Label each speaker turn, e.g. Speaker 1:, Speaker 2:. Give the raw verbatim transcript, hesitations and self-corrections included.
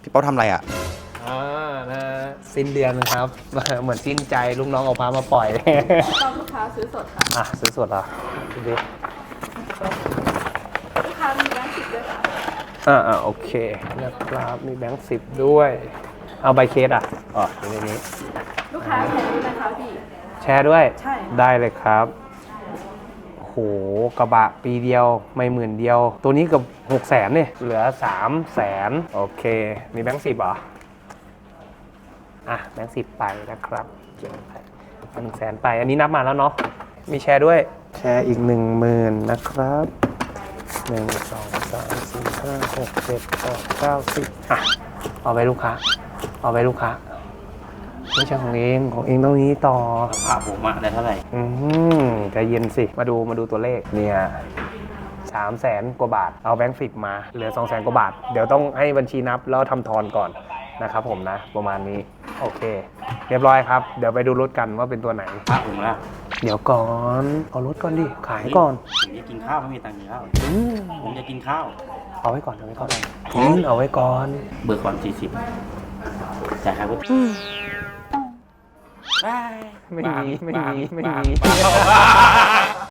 Speaker 1: พี่เป้าทำอะไรอ่ะ
Speaker 2: อ่านะสิ้นเดือนนะครับ เหมือนสิ้นใจลูกน้องเอาพามาปล่อย
Speaker 3: ต้องลูกค้าซื้อสดค่ะ
Speaker 2: อ่ะซื้อสดเหรอดูดิ
Speaker 3: ลูกค้ามีแบงค์สิบด้วยค่ะ
Speaker 2: อ่าอ่าโอเคนะครับมีแบงค์สิบด้วย เอาใบเคสอ่ะอ๋ออยู่ในนี้
Speaker 3: ลูกค้าแชร์ด้วยนะคะพี่
Speaker 2: แชร์ด้วย
Speaker 3: ใช่
Speaker 2: ได้เลยครับโหกระบะปีเดียวไม่หมื่นเดียว ตัวนี้เกับหกแสนเนี่ยเหลือสามแสนโอเค มีแบงค์สิบเหรออ่ะแบงค์สิบไปนะครับเก็บไปหนึ่งแสนไป อันนี้นับมาแล้วเนาะมีแชร์ด้วยแชร์อีกหนึ่งหมื่นนะครับหนึ่งสองสามสี่ห้าหกเจ็ดแปดเก้าสิบอ่ะเอาไปลูกค้าเอาไปลูกค้าไม่ใช่ของเองของเองต้องนี้ต่อ
Speaker 1: ผ่าผมอะได้เท่าไหร่
Speaker 2: อืมใจเย็นสิ มาดูมาดูตัวเลขเนี่ยสามแสนกว่าบาท เอาแบงค์สิบมา เหลือสองแสนกว่าบาท เดี๋ยวต้องให้บัญชีนับแล้วทำทอนก่อนนะครับผมนะ ประมาณนี้ โอเค เรียบร้อยครับ เดี๋ยวไปดูรถกันว่าเป็นตัวไหน
Speaker 1: ผ่าผมละ
Speaker 2: เดี๋ยวก่อน เอารถก่อนดิ ขายก่อน
Speaker 1: ผมจะกินข้าวไม่มีตังค์กินข้าว
Speaker 2: อืม
Speaker 1: ผมจะกินข้าว
Speaker 2: เอาไว้ก่อน เอาไว้ก่อนอืมเอาไว้ก่อน
Speaker 1: เบิกก่อนสี่สิบจ่ายค่าวุฒิ
Speaker 2: ไม่มี ไม่มี ไม่มี
Speaker 1: บาง